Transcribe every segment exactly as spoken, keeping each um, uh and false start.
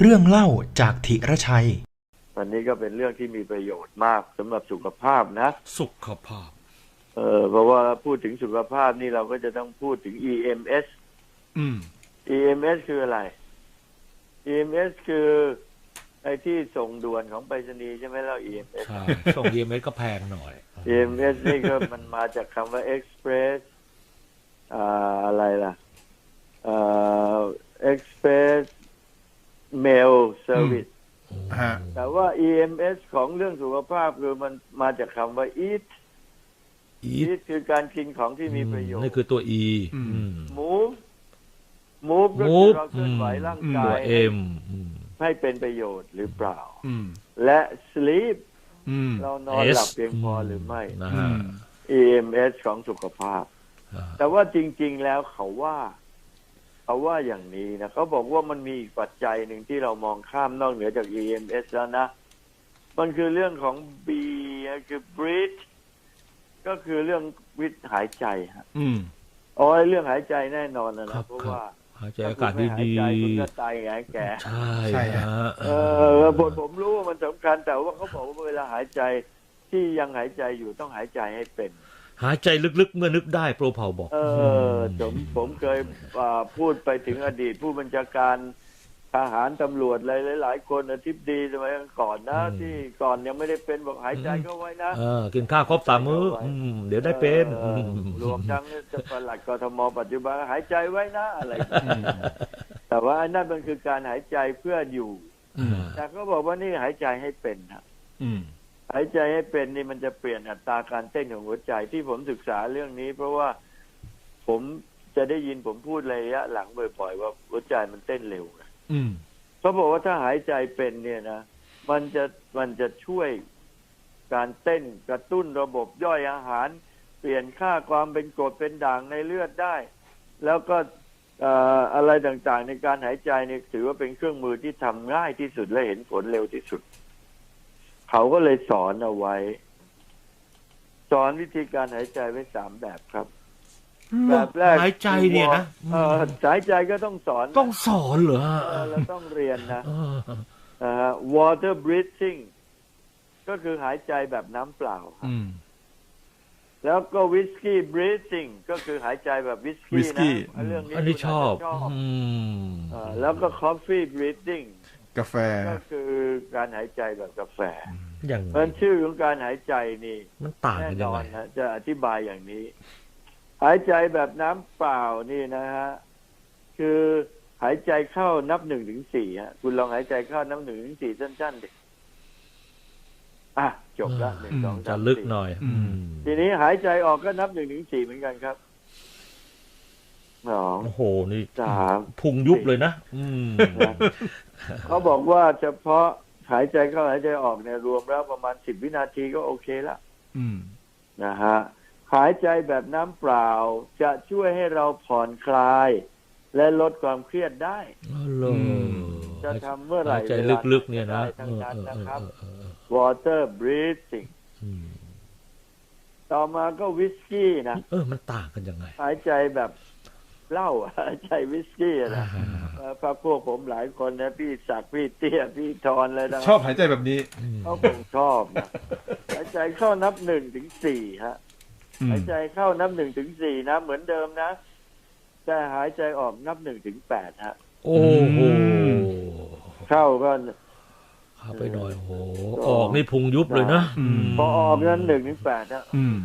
เรื่องเล่าจากธีรชัยวันนี้ก็เป็นเรื่องที่มีประโยชน์มากสำหรับสุขภาพนะสุขภาพเออเพราะว่าพูดถึงสุขภาพนี่เราก็จะต้องพูดถึง อี เอ็ม เอสอืมอี เอ็ม เอส คืออะไร อี เอ็ม เอส คือไอ้ที่ส่งด่วนของไปรษณีย์ใช่ไหมแล้ว อี เอ็ม เอสใช่ส่ง อี เอ็ม เอส ก็แพงหน่อยอี เอ็ม เอส นี่ก็มันมาจากคำว่า Express อ่าอะไรล่ะอ่า Express Mail Service ฮะแต่ว่า อี เอ็ม เอส ของเรื่องสุขภาพคือมันมาจากคำว่า eat eat คือการกินของที่มีประโยชน์นี่คือตัว E move move ก็คือเราเคลื่อนไหวร่างกาย M ให้เป็นประโยชน์หรือเปล่าและ sleep เรานอนหลับเพียงพอหรือไม่ อี เอ็ม เอส ของสุขภาพแต่ว่าจริงๆแล้วเขาว่าเขาว่าอย่างนี้นะเขาบอกว่ามันมีอีกปัจจัยหนึ่งที่เรามองข้ามนอกเหนือจาก อี เอ็ม เอส แล้วนะมันคือเรื่องของ B คือ breathe ก็คือเรื่องวิตหายใจฮะอ๋อเรื่องหายใจแน่นอนนะนะเพราะว่าหายใจอากาศดีๆคุณก็ตายไงแกใช่ใช่ฮะเออผมผมรู้ว่ามันสำคัญแต่ว่าเขาบอกว่าเวลาหายใจที่ยังหายใจอยู่ต้องหายใจให้เป็นหายใจลึกๆเมื่อนึกได้โปรเผาบอกเออผมผมเคยพูดไปถึงอดีตผู้บัญชาการทหารตำรวจหลายหลายคนอธิบดีสมัยก่อนนะที่ก่อนยังไม่ได้เป็นบอกหายใจก็ไว้นะเออกินข้าวครบสามมื้อเดี๋ยวได้เป็นรวมทั้งจะปลัดกทมปัจจุบันหายใจไว้นะอะไรแต่ว่านั่นมันคือการหายใจเพื่ออยู่แต่ก็บอกว่านี่หายใจให้เป็นนะหายใจให้เป็นนี่มันจะเปลี่ยนอัตราการเต้นของหัวใจที่ผมศึกษาเรื่องนี้เพราะว่าผมจะได้ยินผมพูดระยะหลังบ่อยๆว่าหัวใจมันเต้นเร็วเขาบอกว่าถ้าหายใจเป็นเนี่ยนะมันจะมันจะช่วยการเต้นกระตุ้นระบบย่อยอาหารเปลี่ยนค่าความเป็นกรดเป็นด่างในเลือดได้แล้วก็อะไรต่างๆในการหายใจเนี่ยถือว่าเป็นเครื่องมือที่ทำง่ายที่สุดและเห็นผลเร็วที่สุดเขาก็เลยสอนเอาไว้สอนวิธีการหายใจไว้สามแบบครับแบบแรกหายใจเนี่ยนะเออหายใจก็ต้องสอนต้องสอนเหรอเราต้องเรียนนะอ่า water breathing ก็คือหายใจแบบน้ำเปล่าแล้วก็ whiskey breathing ก็คือหายใจแบบวิสกี้นะเรื่องนี้อันนี้ชอบแล้วก็ coffee breathing กาแฟก็คือการหายใจแบบกาแฟอย่างมันชื่อของการหายใจนี่มันต่างกันยังไงนะจะอธิบายอย่างนี้หายใจแบบน้ำเปล่านี่นะฮะคือหายใจเข้านับหนึ่งถึงสี่ฮะคุณลองหายใจเข้านับหนึ่งถึงสี่สั้นๆดิอ่ะจบละหนึ่งสองสามจะลึกหน่อยทีนี้หายใจออกก็นับหนึ่งถึงสี่เหมือนกันครับสองโอ้โหนี่สามพุงยุบเลยนะเขาบอกว่าเฉพาะหายใจเข้าหายใจออกเนี่ยรวมแล้วประมาณสิบวินาทีก็โอเคละนะฮะหายใจแบบน้ำเปล่าจะช่วยให้เราผ่อนคลายและลดความเครียดได้จะทำเมื่อไหร่หายใจลึกๆเนี่ยนะทั้งนั้นนะครับ water breathing ต่อมาก็วิสกี้นะเออมันต่างกันยังไงหายใจแบบเหล้าหายใจวิสกี้นะพระพวกผมหลายคนนะพี่ศักดิ์พี่เตี้ยพี่ทอนอะไรนะชอบหายใจแบบนี้เขาคงชอบนะหายใจเข้านับหนึ่งถึงสี่ฮะหายใจเข้านับหนึ่งถึงสี่นะเหมือนเดิมนะแต่หายใจออกนับหนึ่งถึงแปดฮะโอ้โหเข้าก็เข้าไปหน่อยโอ้โหออกนี่พุงยุบเลยนะพอออกนั้นหนึ่งถึงแปดฮะ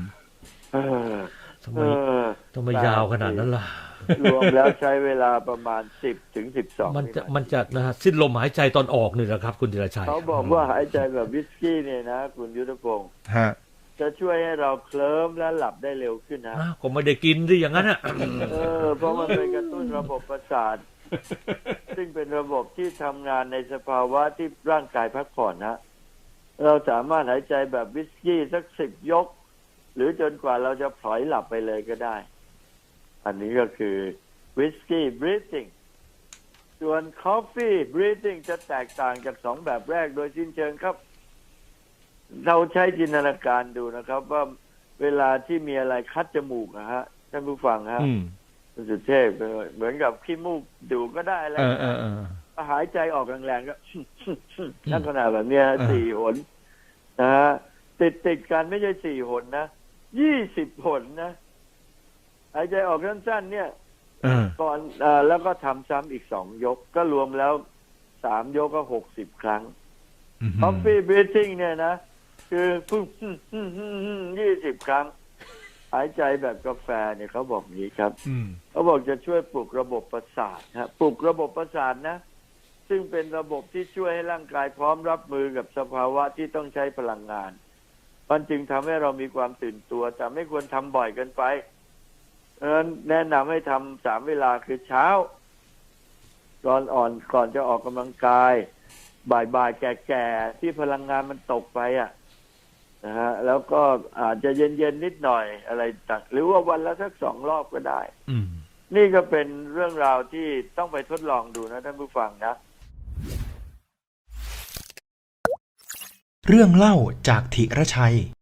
ทำไมทำไมยาวขนาดนั้นล่ะรวมแล้วใช้เวลาประมาณสิบถึงสิบสองมันจะมันจะนะสิ้นลมหายใจตอนออกนี่แหละครับคุณธีรชัยเขาบอกว่าหายใจแบบวิสกี้เนี่ยนะคุณยุทธพงศ์จะช่วยให้เราเคลิ้มและหลับได้เร็วขึ้นนะก็ไม่ได้กินดิอย่างนั้นอ่ะเออเพราะมันเป็นกระตุ้นระบบประสาทซึ่งเป็นระบบที่ทำงานในสภาวะที่ร่างกายพักผ่อนนะเราสามารถหายใจแบบวิสกี้สักสิบยกหรือจนกว่าเราจะพลอยหลับไปเลยก็ได้อันนี้ก็คือวิสกี้ breathing ส่วน coffee breathing จะแตกต่างจากสองแบบแรกโดยสิ้นเชิงครับเราใช้จินตนาการดูนะครับว่าเวลาที่มีอะไรคัดจมูกนะฮะท่านผู้ฟังฮะสุเทพเหมือนกับขี้มูกดูก็ได้อะไรหายใจออกแรงๆก็ ลักษณะแบบเนี้ยสี่หนนะฮะติดติดกันไม่ใช่สี่หนนะยี่สิบหนนะหายใจออกสั้นๆเนี่ยก่อนอ่าแล้วก็ทำซ้ำอีกสองยกก็รวมแล้วสามยกก็หกสิบครั้ง Coffee breathing เนี่ยนะคือพึ่งยี่สิบครั้งหายใจแบบกาแฟเนี่ยเขาบอกนี้ครับเขาบอกจะช่วยปลุกระบบประสาทฮะปลุกระบบประสาทนะซึ่งเป็นระบบที่ช่วยให้ร่างกายพร้อมรับมือกับสภาวะที่ต้องใช้พลังงานมันจึงทำให้เรามีความตื่นตัวแต่ไม่ควรทำบ่อยเกินไปเออแนะนำให้ทำสามเวลาคือเช้าก่อนอ่อนก่อนจะออกกำลังกายบ่ายๆแก่ๆที่พลังงานมันตกไปอ่ะนะฮะแล้วก็อาจจะเย็นๆนิดหน่อยอะไรต่างหรือว่าวันละสักสองรอบก็ได้นี่ก็เป็นเรื่องราวที่ต้องไปทดลองดูนะท่านผู้ฟังนะเรื่องเล่าจากธิรชัย